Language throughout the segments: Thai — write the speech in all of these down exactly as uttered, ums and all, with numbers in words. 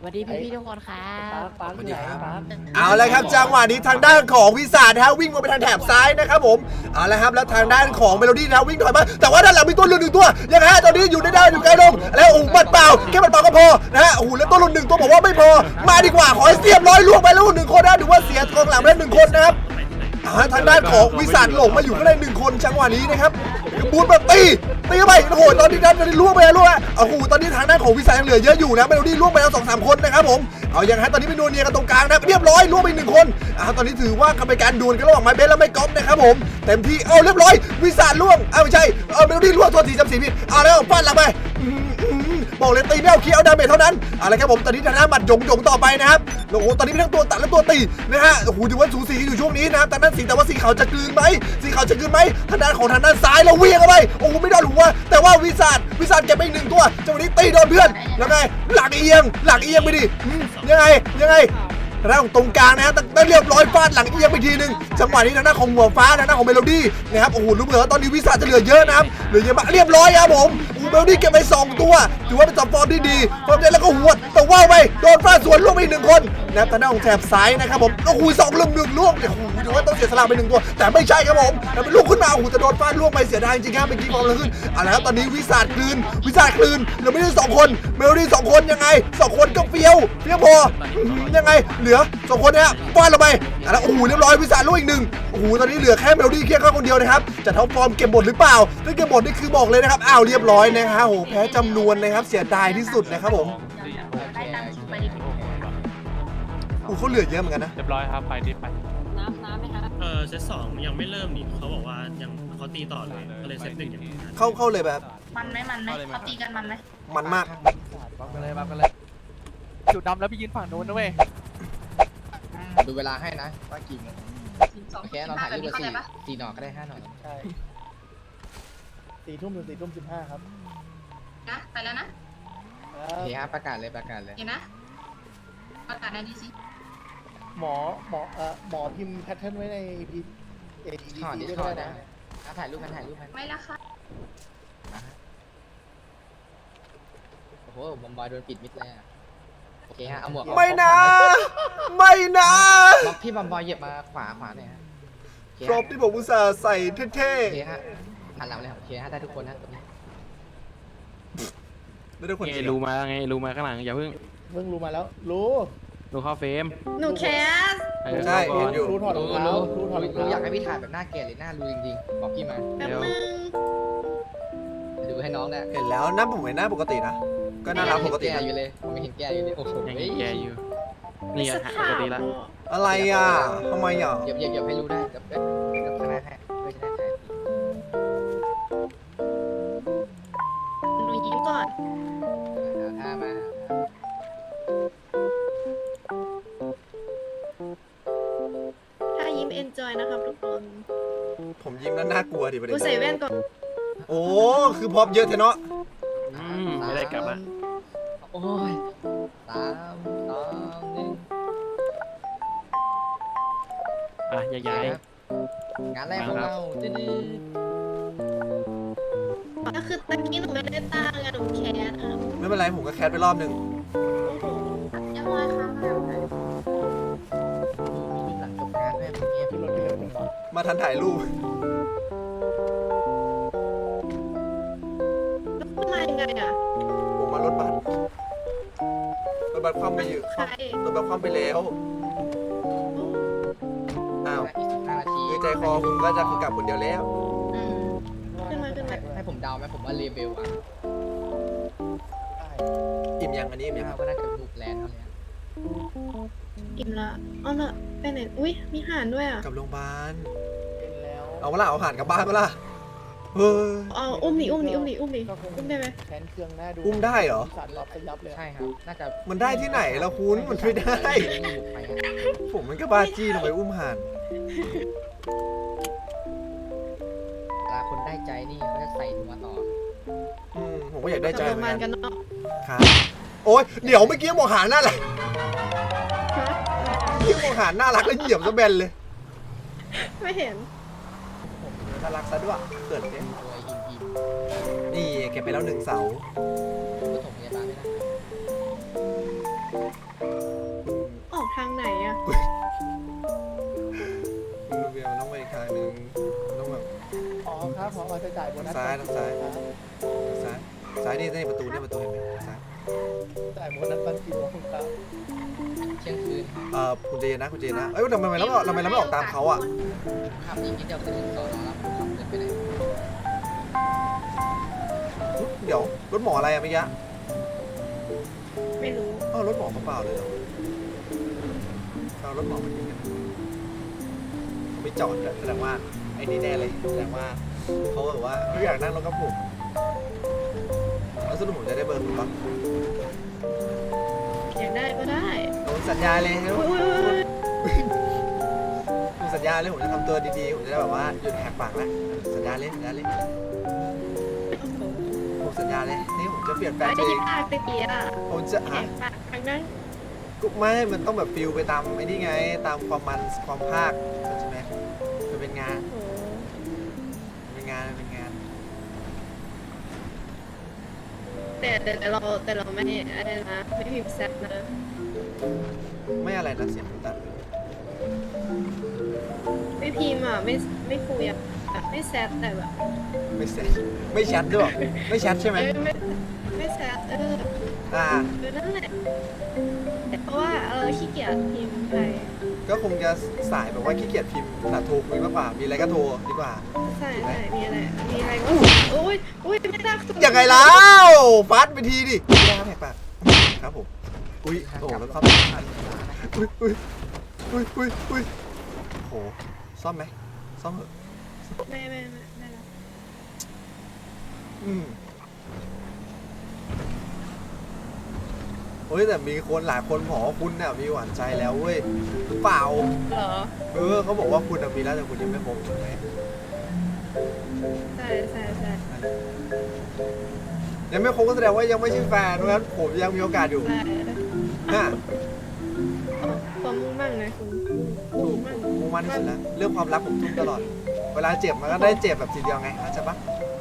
วัสดีพี่ๆทุกคนครับปาร์คอยู่ไหนปาร์คเอาละครับจังหวะนี้ทางด้านของวิสานะฮะวิ่งมาไปทางแถบซ้ายนะครับผมเอาละครับแล้วทางด้านของเมโลดี้นะวิ่งถอยมาแต่ว่าด้านหลังมีตัวหลุดหนึ่งตัวยังไงฮะตอนนี้อยู่ในด้านอยู่ไกลลมแล้วโอ้โหบัดเปล่าแค่บัดเปล่าก็พอนะฮะโอ้โหแล้วตัวหลุดหนึ่งตัวบอกว่าไม่พอมาดีกว่าขอให้เสียบร้อยล่วงไปแล้วหนึ่งคนนะถือว่าเสียกองหลังไปแล้วหนึ่งคนนะครับทางด้านของวิสาหลงมาอยู่ก็ได้หนึ่งคนจังหวะนี้นะครับบูทแบบตีตีเข้าไปโอ้โหตอนนี้ด้านนี้ล่วงไปแล้วล่วงโอ้โหตอนนี้ทางด้านของวิสายังเหลือเยอะอยู่นะเมโลดี้ล่วงไปแล้วสองสามคนนะครับผมเอาอย่างฮะตอนนี้เป็นนัวเนียกันตรงกลางนะเรียบร้อยล่วงไปหนึ่งคนอ่าตอนนี้ถือว่ากรรมการดวลกันระหว่างไม้เบสและไม้ก๊อฟนะครับผมเต็มที่เอาเรียบร้อยวิสาล่วงอ้าวไม่ใช่เออเมโลดี้ล่วงตัวสีจำสีผิดเอาแล้วฟาดหลังไปบอกเลยตีไม่เอาเคี้ยวดาเมจเท่านั้นอะไรครับผมตอนนี้ทางด้านหมัดหยงหยงต่อไปนะครับโอ้โหตอนนี้เป็นทั้งตัวตัดและตัวตีนะฮะโอ้โหถือว่าสูสีอยู่ช่วงนี้นะครับทางด้านสีแต่ว่าสีขาวจะกลืนไหมสีขาวจะกลืนไหมทางด้านของทางด้านซ้ายเราเวียงเข้าไปโอ้โหไม่โดนหัวแต่ว่าวิสาวิสาเก็บไปอีกหนึ่งตัวจังหวะนี้ตีโดนเพื่อนแล้วไงหลังเอียงหลังเอียงไปดิยังไงยังไงทางด้านของตรงกลางนะฮะได้เรียบร้อยฟาดหลังเอียงไปทีนึงจังหวะนี้ทางด้านของหัวฟ้าทางด้านของเมโลดี้นะครับโอ้โหรู้เหมือนว่าตอนนี้วิสาจะเหลือเยอะนะครับเหลือเยอะมากเรียบร้อยครับผมโอ้โหเมโลดี้เก็บไปสองตัวถือว่าเป็นจับฟอร์มที่ดีฟอร์มได้แล้วก็หัวแต่ว่าไปโดนฟาดสวนล่วงไปอีกหนึ่งคนนะครับทางด้านของแถบซ้ายนะครับผมโอ้โหสองลุมหนึ่งล่วงเนี่ยโอ้โหถือว่าต้องเสียสละไปหนึ่งตัวแต่ไม่ใช่ครับผมแต่เป็นลูกขึ้นมาโอ้โหจะโดนฟาดล่วงไปเสียดายจริงๆครับเมื่อกี้ฟอร์มเลยขึ้นเอาละครับตอนนี้วิสาคลืนวิสาคลืนเหลือไม่ได้สองคนเมโลดี้สองคนยังไงสองคนก็เฟี้ยวเฟี้ยวพอยังไงเหลือสองคนเนี่ยฟาดลงไปแล้วโอ้โหเรียบร้อยวิสาล่วงอีกหนึ่งโอ้โหตอนนี้เหลือแค่เมโลดี้เคียงข้างคนเดียวนะครับจะท็อปฟอร์มเก็บหมดหรือเปล่าถ้าเก็บหมดนี่คือบอกเลยนะครับอ้าวเรียบร้อยนะครับโอ้โหแพ้จำนวนนะครับเสียดายที่สุดนะครับผมโอ้เขาเหลือเยอะเหมือนกันนะเรียบร้อยครับไปรีบไปน้ำน้ำไหมครับเออเซตสองยังไม่เริ่มนี่เขาบอกว่ายังเขาตีต่อเลยก็เลยเซตหนึ่งอย่างนี้เข้าเข้าเลยแบบมันไหมมันไหมเขาตีกันมันไหมมันมากบัฟกันเลยบัฟกันเลยจุดดำแล้วพี่ยืนฝั่งนู้นนะเว้ยดูเวลาให้นะว่ากี่โมงสองโอเคเราถ่ายรูปไปสี่สี่หน่อก็ได้ห้าหน่อใช่สี่ทุ่มถึงสี่ทุ่มสิบห้าครับนะไปแล้วนะโอเคครับประกาศเลยประกาศเลยเห็นนะประกาศในดีสิหมอหมอเอ่อหมอพิมพ์แพทเทิร์นไว้ในพีเอดีถอดดิด้วยถอดนะนะถ่ายรูปมันถ่ายรูปมันไม่ละค่ะโอ้โหบอมบอยโดนปิดมิดเลยอ่ะโอเคฮะเอาหมวกไม่นะไม่นะล็อกพี่บอมบอยเหยียบมาขวาขวาหน่อยฮะครบที่ผมอุตส่าห์ใส่เท่โอเคฮะหันหลังเลยโอเคฮะได้ทุกคนนะตรงนี้ๆไม่ได้คนไงเดียวรู้มาไงรู้มาข้างหลังอย่าเพิ่งเพิ่งรู้มาแล้วรู้รู้เข้าเฟรมหนูแคสเออใช่เข้าก่เห็อน นอยู่รู้ถอดรองรู้เท้ารู้รู้ถอดรองรู้อยากเท้าให้พี่ถ่ายแบบหน้าแก่หรือหน้ารู้จริงๆบอกพี่มาแป๊บนึงดูให้น้องนะเห็นแล้วหน้าผมเห็นหน้าปกตินะก็น่ารักปกติแก่นะอยู่เลยผมไม่เห็นแก่อยู่เลยโอ้โหยังแกอยู่นี่อะปกติละอะไรอ่ะทำไมอ่ะเหยียบเหยียบเหยียบให้รู้ได้เดี๋ยวเดี๋ยวข้างหน้าให้เพื่อจะได้ถ่ายหนูยิ้มก่อนท่ามาถ้ายิ้มเอนจอยนะครับทุกคนผมยิ้มแล้วน่ากลัวดิประเด็กูนใส่แว่นก่อนโอ้คือพร็อพเยอะเทเนาะอืมไม่ได้กลับละโอ้ยสามสองหนึ่งอ่ะย้ายงานแรกของเราดื้อก็คือตะกี้หนูไม่ได้ตั้งอะหนูแคสอะไม่เป็นไรผมก็แคสไปรอบหนึ่งยังไงคะมีหลังจบงานแม่ผมเงียบที่รถพี่เล็กผมบอกมาทันถ่ายรูปแล้วมายังไงอะผมมารถบัสรถบัสคว่ำไปอยู่ใครรถบัสคว่ำไปแล้วอ้าวอีกสิบห้านาทีคือใจคอคุณก็จะคือกลับคนเดียวแล้วอืมขึ้นมาขึ้นมาให้ผมเดาไหมผมว่าเลเบลอ่ะอิ่มยังอันนี้อิ่มยังก็น่าจะบุกแลนด์เขาเลยอิ่มละเอาละไปไหนอุ้ยมีห่านด้วยอะกลับโรงพยาบาลเป็นแล้วเอาเวลาเอาอาหารกลับบ้านเวลาเฮ้ยเอาอุ้มดิอุ้มดิอุ้มดิอุ้มดิอุ้มได้ไหมแขนเครื่องหน้าดูอุ้มได้เหรอสั่นรับไปยับเลยใช่ครับน่าจะมันได้ที่ไหนแล้วคุณมันไม่ได้บุกไปฮะผมมันก็บ้าจี้ลงไปอุ้มห่านเวลาคนได้ใจนี่เขาจะใส่หัวต่ออืมผมก็อยากได้ใจกลับเหโรมืงอพยาน บาลกักัน นเนาะครับโอ๊ยเดี๋ยวเมื่อกี้บอกหาน่ารักฮะเมื่อกี้บอกหาน่ารักแล้วเหยียบซะแบนเลยไม่เห็นน่ารักซะด้วยเกิดเนี่ยตัวหินหินนี่เก็บไปแล้วหนึ่งเสาปฐมพยาบาลไม่ได้ออกทางไหนอะคุณลูเบียมันต้องไปอีกทางหนึ่งมันต้องแบบอ๋อครับพอจะจ่ายโบนัสซ้ายทางซ้ายครับซ้ายซ้ายนี่นี่ประตูนี่ประตูเห็นไหมซ้ายจ่ายโบนัสตอนกี่โมงครับเที่ยงคืนเอ่อคุณเจนนะคุณเจนนะเอ้ยทำไมเราไม่ทำไมเราไม่ออกตามเขาอ่ะขับอีกนิดเดียวจะถึงสอนอแล้วขับเดินไปไหนเดี๋ยวรถหมออะไรอะเมื่อกี้ไม่รู้อ้าวรถหมอเปล่าๆเลยเหรอเอารถหมอมาทิ้งกันเขาไม่จอดเลยแสดงว่าไอ้นี่แน่เลยแสดงว่าเขาแบบว่าไม่อยากนั่งรถกับผมแล้วสรุปผมจะได้เบอร์คุณปะอยากได้ก็ได้ผมสัญญาเลยครับอุ้ยอุ้ยอุ้ยผมสัญญาเลยผมจะทำตัวดีๆผมจะได้แบบว่าหยุดแหกปากแล้วสัญญาเลยสัญญาเลยผมสัญญาเลยนี่ผมจะเปลี่ยนแปลงไม่ตัวได้เองปากตะเกียบผมจะแหฮะกปากทางนั้นก็ไม่ มันต้องแบบฟิลไปตามไอ้นี่ไง ตามความมันความภาคใช่ไหมมันเป็นงานโอ้มันเป็นงานมันเป็นงานแต่แต่แต่เราแต่เราไม่อะไรนะไม่พิมพ์แซดนะไม่อะไรนะเสียงตัดไม่พิมพ์อ่ะไม่ไม่คุยอ่ะไม่แซดแต่แบบไม่แซดไม่แชทด้วยไม่แชทใช่ไหมเออไม่ไม่แซดเอออ่าเออนั่นแหละเพราะว่าเออขี้เกียจพิมพ์ไปก็คงจะสายแบบว่าขี้เกียจพิมพ์แต่โทรคุยมากกว่า มีอะไรก็โทรดีกว่าใช่ใช่มีอะไรมีอะไรก็โอ้ยโอ้ยไม่ได้ยังไงแล้วฟัดไปทีดิไม่ได้ครับแหกปากครับผม อุ้ยโอ้โหแล้วครับอุ้ยอุ้ยอุ้ยอุ้ยอุ้ยโอ้โหซ่อมไหมซ่อมเหอะไม่ไม่ไม่ไม่แล้วอืมเฮ้ยแต่มีคนหลายคนบอกว่าคุณเนี่ยมีหวานใจแล้วเว้ยหรือเปล่าเหรอเออเขาบอกว่าคุณน่ะมีแล้วแต่คุณยังไม่พบถูกไหมใช่ใช่ใช่ยังไม่พบก็แสดงว่ายังไม่ใช่แฟนเพราะฉะนั้นผมยังมีโอกาสอยู่ใช่ฮะความมุ่งมั่นนะคุณถูมุ่กงมั่นมุ่งมั่นที่สุดแล้วเรื่องความรักผมทุ่มตลอด เวลาเจ็บมันก็ได้เจ็บแบบทีเดียวไงเข้าใจปะ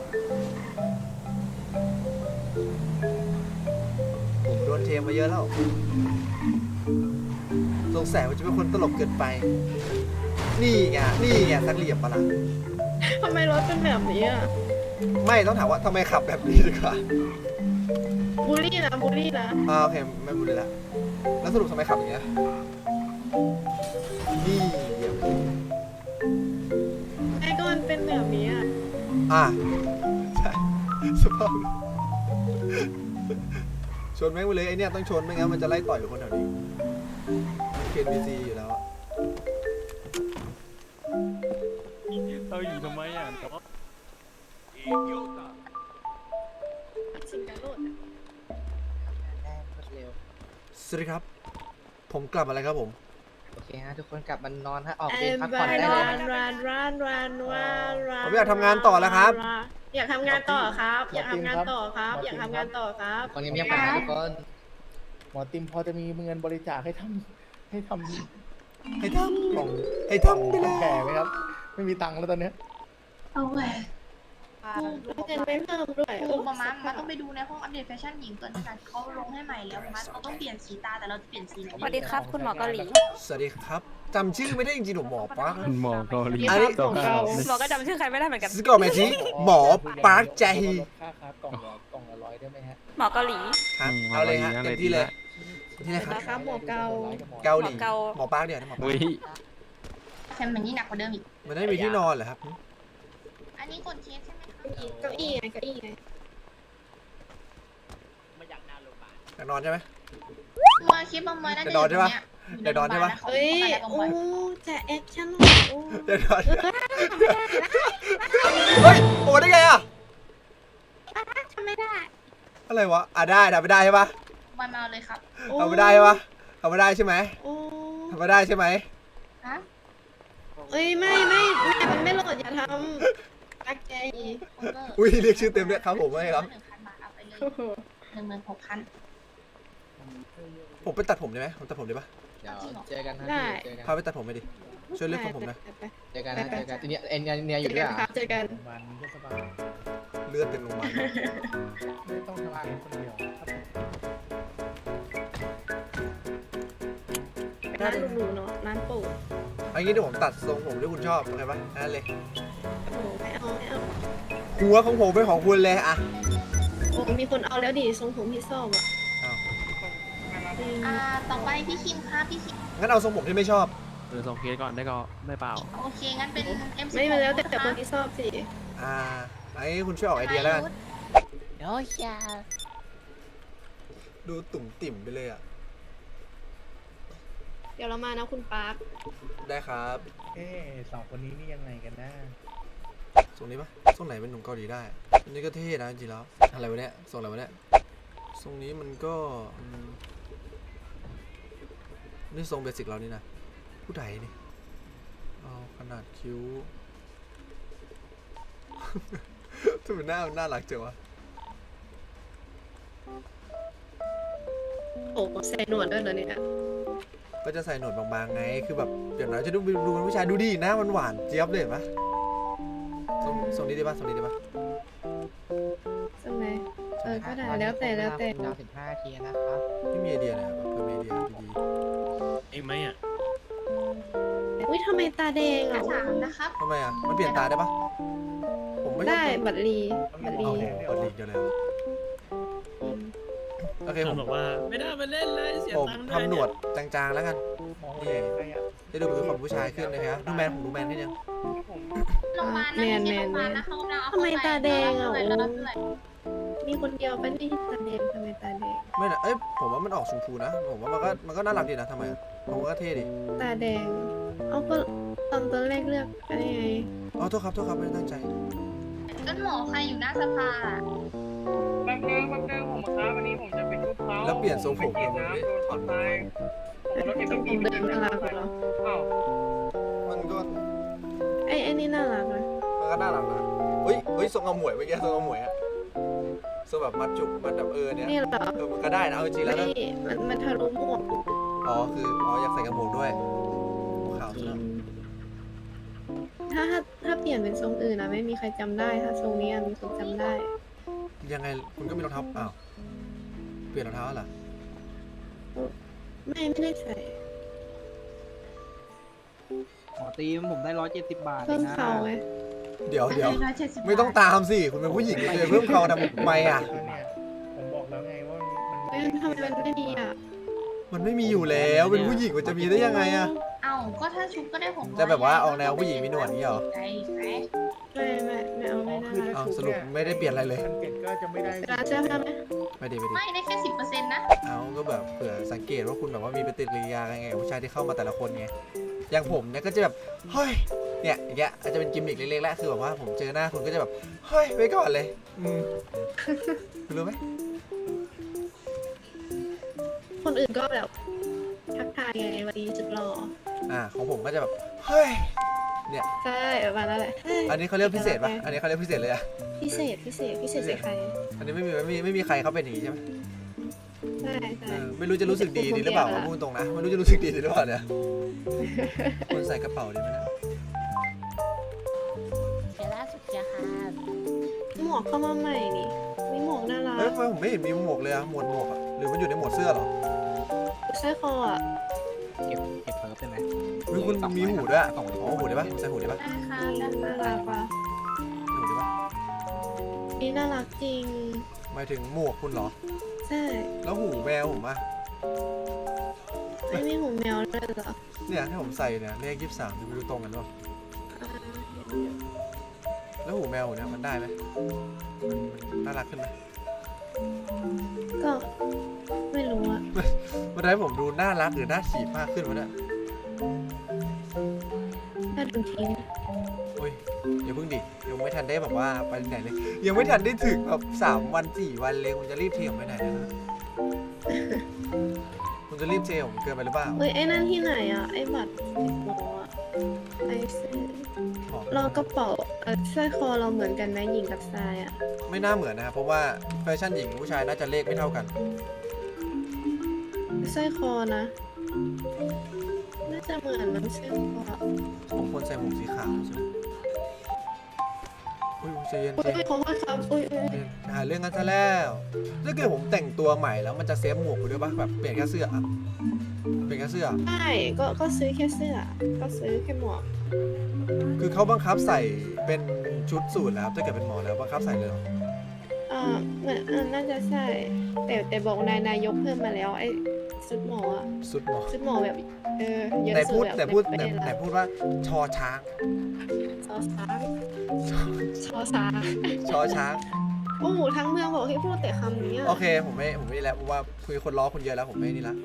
ผมโดนเทมาเยอะแล้วสงสัยว่าจะเป็นคนตลกเกินไป นี่ไงนี่ไงสักเหลี่ยมปะล่ะทำไมรถเป็นแบบนี้อ่ะไม่ต้องถามว่าทำไมขับแบบนี้ดีกว่าบูลลี่นะบูลลี่นะอ่าโอเคไม่พูดเลยละแล้วสรุปทำไมขับอย่างเงี้ยนี่เดี๋ยวไอ้ก็มันเป็นแบบนี้อ่ะอ่ะใช่สภาพชนแม่งไปเลยไอเนี่ยต้องชนไม่งั้นมันจะไล่ต่อยคนแถวนี้เคนบีซีอยู่แล้วอะเอาอยู่ทำไมอ่ะชิงกันโลดเร็วสวัสดีครับ ผมกลับมาแล้วครับผมโอเคฮะทุกคนกลับมานอนฮะออกแอเวรนพักรัผ่อนนได้เลยรันะนรันรันรันรันรันผมอยากทำงานต่อแล้วครับอยากทำงานต่อครับ อยากทำงานต่อครับ อยากทำงานต่อครับคนเงียบๆกันนะทุกคนหมอติมพอจะมีเงินบริจาคให้ทำให้ทำให้ทกล่องำให้ทำไปเลยแก่ไหมครับ ไม่มีตังค์แล้วตอนเนี้ยเอาแหวนเงินไม่เพิ่มด้วยโอ้มามามาต้องไปดูในห้องอัปเดตแฟชั่นหญิงตัวนี้กันเขาลงให้ใหม่แล้วมาเราต้องเปลี่ยนสีตาแต่เราจะเปลี่ยนสีไหนสวัสดีครับ คุณหมอเกาหลีสวัสดีครับจำชื่อไม่ได้จริงๆผมหมอปาร์คคุณหมอเกาหลีอันนี้ตัวขาวหมอก็จำชื่อใครไม่ได้เหมือนกันสกอร์แมทชีหมอปาร์คแจฮีลดค่าครับกล่องละกล่องละร้อยได้ไหมฮะหมอเกาหลีครับเอาเลยฮะเต็มที่เลยที่ไหนครับนะครับหมอเกาเกาหลีหมอเกาหมอปาร์คเดี๋ยวนะหมอปาร์อุ้ยคแคมมันนี่หนักกว่าเดิมอีกมันไม่มีที่นอนเหรอครับอันนี้กดเคสใช่ไหมคะเก้าอี้ไงเก้าอี้ไงอยากนอนใช่ไหมมาคลิปบอมบอยน่าจะเดี๋ยวดอนใช่ปะเดี๋ยวดอนใช่ปะเอ้ยบอมโอ้บอยจะแอคชั่นหน่อยโอ้เดี๋ยวนอนเฮ้ยโอ้ได้ไงอ่ะทำไม่ได้อะไรวะอ่ะได้ทำไม่ได้ใช่ปะบอยมาเอาเลยครับทำไม่ได้ใช่ปะทำไม่ได้ใช่ไหมโอ้ทำไม่ได้ใช่ไหมฮะเอ้ยไม่ไม่ไม่มันไม่โหลดอย่าทำปักใจคุณเบอร์อุ้ยเรียกชื่อเต็มด้วยครับผมไม่ครับหนึ่งพันบาทเอาไปเลยหนึ่งหมื่นหกพันผมไปตัดผมได้ไหมผมตัดผมได้ปะเดี๋ยวเจอกันฮะเจอกันพาไปตัดผมไปดิช่วยเลือกผมผมหนะเจอกันนะเจอกันทีนี้เอ็นเนี่ยอยู่เจด้อวยกันอ่ะครับเจอกันวันนี้ก็สบายเลือดเต็มโรงพยาบาลไม่ต้องทำงานคนเดียวครับร้านหรูๆเนาะร้านปู่อันนี้เดี๋ยวผมตัดทรงผมที่คุณชอบโอเคปะนั่นเลยโอ้ไม่เอาไม่เอาหัวของผมเป็นของคุณเลยอะโอ้มีคนเอาแล้วดิทรงผมพี่ชอบอ่ะอ้าวจริงอ่าต่อไปพี่คิมค่ะพี่คิมงั้นเอาทรงผมที่ไม่ชอบเออส่งเคสก่อนได้ก็ได้เปล่าโอเคงั้นเป็น เอ็มไม่มาแล้วแต่แต่คนที่ชอบสิอ่าไอ้คุณช่วยออกไอเดียแล้วกันโอ้ยยาดูตุ่มติ่มไปเลยอะเดี๋ยวเรามานะคุณปาร์คได้ครับเอ๊ะสองคนนี้นี่ยังไงกันนะทรงนี้ปะทรงไหนเป็นหนุ่มเกาหลีได้อันนี้ก็เท่นะจริงๆแล้วอะไรวะเนี่ยทรงอะไรวะเนี่ยทรงนี้มันก็อืมนี่ทรงเบสิกเรานี่นะผู้ใดนี่เอาขนาดคิ้ว ทำไมหน้ามันน่ารักจังวะโอ้ใส่หนวดด้วยเหรอเนี่ยก็จะใส่หนวดบางๆไงคือแบบเดี๋ยวน้อยจะดูดูเป็นผู้ชายดูดีหน้ามันหวานเจี๊ยบเลยเห็นปะทรงทรงนี้ได้ปะทรงนี้ได้ปะใช่ไหมเออก็ได้แล้วแต่แล้วแต่ดาวสิบห้าทีนะครับไม่มีไอเดียเลยอะแบบเพิ่มไอเดียดีเองไหมอ่ะอุ้ยทำไมตาแดงกระอ่ะถางนะครับๆทำไมอ่ะมันเปลี่ยนตาได้ปะผมไม่ชอบได้บัตรลีบัตรลีเอากดลิงก์เดียวเลยเหรอโอเคคผนมบอกว่าไม่ได้มาเล่นเลยเสียผมตังค์ด้วยทำหนวดจางๆแล้วกันมองเลยใครอ่ะจะดูเป็นคนผู้ชายขึ้นนะครับดูแมนผมดูแมนนิดนึงโรงพยาบาลนะไม่ใช่โรงพยาบาลนะเขากำลังเอาทำไมตาแดงอ่ะเท่าไหร่โอ้แล้วเท่าไหร่มีคนเดียวเป็นที่ตาแดงทำไมตาแดงไม่นะเอ้ยผมว่ามันออกชมพูนะผมว่ามันก็มันก็น่ารักดีนะทำไมอะผมว่าก็เท่ดีตาแดง เอาก็ตอนตอนแรกเลือกไปได้ไงอ๋อโทษครับโทษครับไม่ได้ตั้งใจต้นหมอใครอยู่หน้าสภาอะแป๊บนึงแป๊บนึงผมครับวันนี้ผมจะเป็นลูกเขาแล้วเปลี่ยนทรงผมไปกินน้ำโดนถอดไปผมแล้วเก็บทรงไปผมกินเดินน่ารักเหรออ้าวมันก็ไอ้ไอ้นี่น่ารักนะมันก็น่ารักนะเฮ้ยเฮ้ยทรงอมหมวยเมื่อกี้ทรงอมหมวยอะทรงแบบมัดจุกมัดแบบเออเนี่ยนี่เหรอเออมันก็ได้นะเอาจริงๆแล้วไม่นะมันมันทะลุหมวกอ๋อคืออ๋ออยากใส่กระโปรงด้วยขาวซะแล้วถ้าถ้าถ้าเปลี่ยนเป็นทรงอื่นนะไม่มีใครจำได้ ถ้าทรงนี้อะมีคนจำได้ยังไงคุณก็มีรองเท้าอ้าวเปลี่ยนรองเท้าเหรอไม่ไม่ได้ใส่หมอตีมผมได้ร้อยเจ็ดสิบบาทเพิ่มเขาไงเดี๋ยวเดี๋ยวร้อยเจ็ดสิบไม่ต้องตามสิคุณเป็นผู้หญิงคุณจะเพิ่มเขาทำไมอ่ะก็เนี่ยผมบอกแล้วไงว่ามันเฮ้ยทำไมมันไม่มีอ่ะมันไม่มีอยู่แล้วเป็นผู้หญิงมันจะมีได้ยังไงอ่ะเอ้าก็ถ้าชุบก็ได้ผมจะแบบว่าออกแนวผู้หญิงมีหนวดนี่เหรอไอ้แฟะไม่ไม่ไม่เอาไม่ได้คือถ้าอ้าวชุบสรุปไม่ได้เปลี่ยนอะไรเลยมันเปลี่ยนก็จะไม่ได้เวลาเสื้อผ้าไหมไม่ดีไม่ดีไม่ได้แค่สิบเปอร์เซ็นต์นะเอาก็แบบเผื่อสังเกตว่าคุณแบบว่ามีปฏิกิริยาไงกับผู้ชายที่เข้ามาแต่ละคนไงอย่างผมเนี่ยก็จะแบบเฮ้ยเนี่ยอย่างเงี้ยอาจจะเป็นกิมมิคเล็กๆแหละคือแบบว่าผมเจอหน้าคุณก็จะแบบเฮ้ยไว้ก่อนเลยอืมคุณรู้ไหมคนอื่นก็แบบทักทายไงวันนี้จุดหล่ออ่าของผมก็จะแบบเฮ้ยเนี่ยใช่ประมาณนั้นแหละเฮ้ยอันนี้เขาเรียกพิเศษปะอันนี้เขาเรียกพิเศษเลยอะพิเศษพิเศษพิเศษใส่ใครอันนี้ไม่มีไม่มีไม่มีใครเขาเป็นอย่างนี้ใช่ไหมใช่เอใช่อไม่รู้จะรู้สึกดีดีหรือเปล่าพูดตรงนะไม่รู้จะรู้สึกดีดีหรือเปล่าเนี่ยคุณใส่กระเป๋าดีไหมเนี่ยเดี๋ยวล่าสุดจะค่ะหมวกเข้ามาใหม่นี่มีหมวกน่ารัเอ้ยกทำไมผมไม่เห็นมีหมวกเลยอะหมวดหมวกอะหรือมันอยู่ในหมวดเสื้อเหรอสร้อยคออ่ะเก็บเก็บเพิ่มได้ไหมเฮ้ยคุณมีหูด้วยอะอ๋อหูได้ปะใส่หูได้ปะได้ค่ะน่าน่ารักว่ะใส่หูได้ปะนี่น่ารักจริงหมายถึงหมวกคุณเหรอใช่แล้วหูแมวผมอะไม่มีหูแมวเลยเหรอเนี่ยที่ผมใส่เนี่ยเลขยี่สิบสามจะไปดูตรงกันป่ะอ่าเห็นอยู่แล้วหูแมวเนี่ยมันได้ไหมมันมันน่ารักขึ้นไหมก็ไม่รู้อะมันทำให้ผมดูน่ารักหรือน่าฉีดมากขึ้นวะเนี่ยถ้าดูทีโอ้ยอย่าเพิ่งดิยังไม่ทันได้แบบว่าไปไหนเลย ยังไม่ทันได้ถึงแบบสามวันสี่วันเลยคุณจะรีบเทผมไปไหนเนยนะคุณจะรีบเทผมเกินไปหรือเปล่าเฮ้ยไอ้นั่นที่ไหนอะไอ้บัตรสิบโมอะไอ้เสื้อบอกเรากระเป๋าเออสร้อยคอเราเหมือนกันไหมหญิงกับชายอะไม่น่าเหมือนนะครับเพราะว่าแฟชั่นหญิงกับผู้ชายน่าจะเลขไม่เท่ากันสร้อยคอนะ น่าจะเหมือนมันสร้อยคอผมควรใส่หมวกสีขาวใช่ไหมอุ้ยใจเย็นอุ้ใจยเย็นขอโทษครับอุ้ยอุ้ยใจเย็นหาเรื่องกันซะแล้วถ้าเกิดผมแต่งตัวใหม่แล้วมันจะเซฟหมวกไปด้วยปะแบบเปลี่ยนแค่เสื้ออะเปลี่ยนแค่เสื้อใช่ก็ก็ซื้อแค่เสื้อ ก็ซื้อแค่หมวกคือเขาบังคับใส่เป็นชุดสูทแล้วถ้าเกิดเป็นหมอแล้วบังคับใส่เลยเหรออ่าเหมือนอ่าน่าจะใช่ แต่แต่บอกนายนายกเพิ่มมาแล้วไอ้ชุดหมออะชุดหมอชุดหมอแบบเออเยอะไหนสุพูดดแบบแต่พูดในแต่ประเทศไหนละพูดว่าชอช้างซอสาซอสาชอช้างโอ้โหทั้งเมืองบอกให้พูดแต่คำนี้อะโอเคผมไม่ผมไม่แล้วเพราะว่าคุยคนล้อคุณเยอะแล้วผมไม่นี่ละ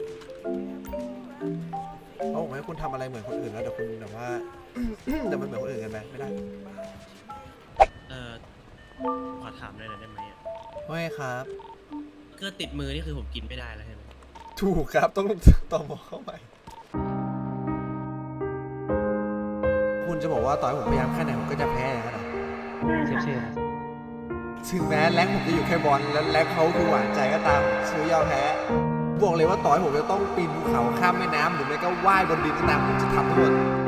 เพราะผมให้คุณทำอะไรเหมือนคนอื่นแล้วเดี๋ยวคุณแบบว่า แต่มันเหมือนคนอื่นกันไหมไม่ได้เออขอถามหน่อยได้ไหมอะไม่ครับเกลือติดมือนี่คือผมกินไม่ได้แล้วใช่ไหมถูกครับต้องต่อหมอเข้าไปคุณจะบอกว่าต่อให้ผมพยายามแค่ไหนผมก็จะแพ้อย่างนั้นเหรอเชฟเชฟถึงแม้แรงค์ผมจะอยู่แค่บอลแล้วแรงค์เขาคือหวานใจก็ตามซื้อยอมแพ้บอกเลยว่าต่อให้ผมจะต้องปีนภูเขาข้ามแม่น้ำหรือไม่ก็ว่ายบนดินก็ตามผมจะทำทั้งหมด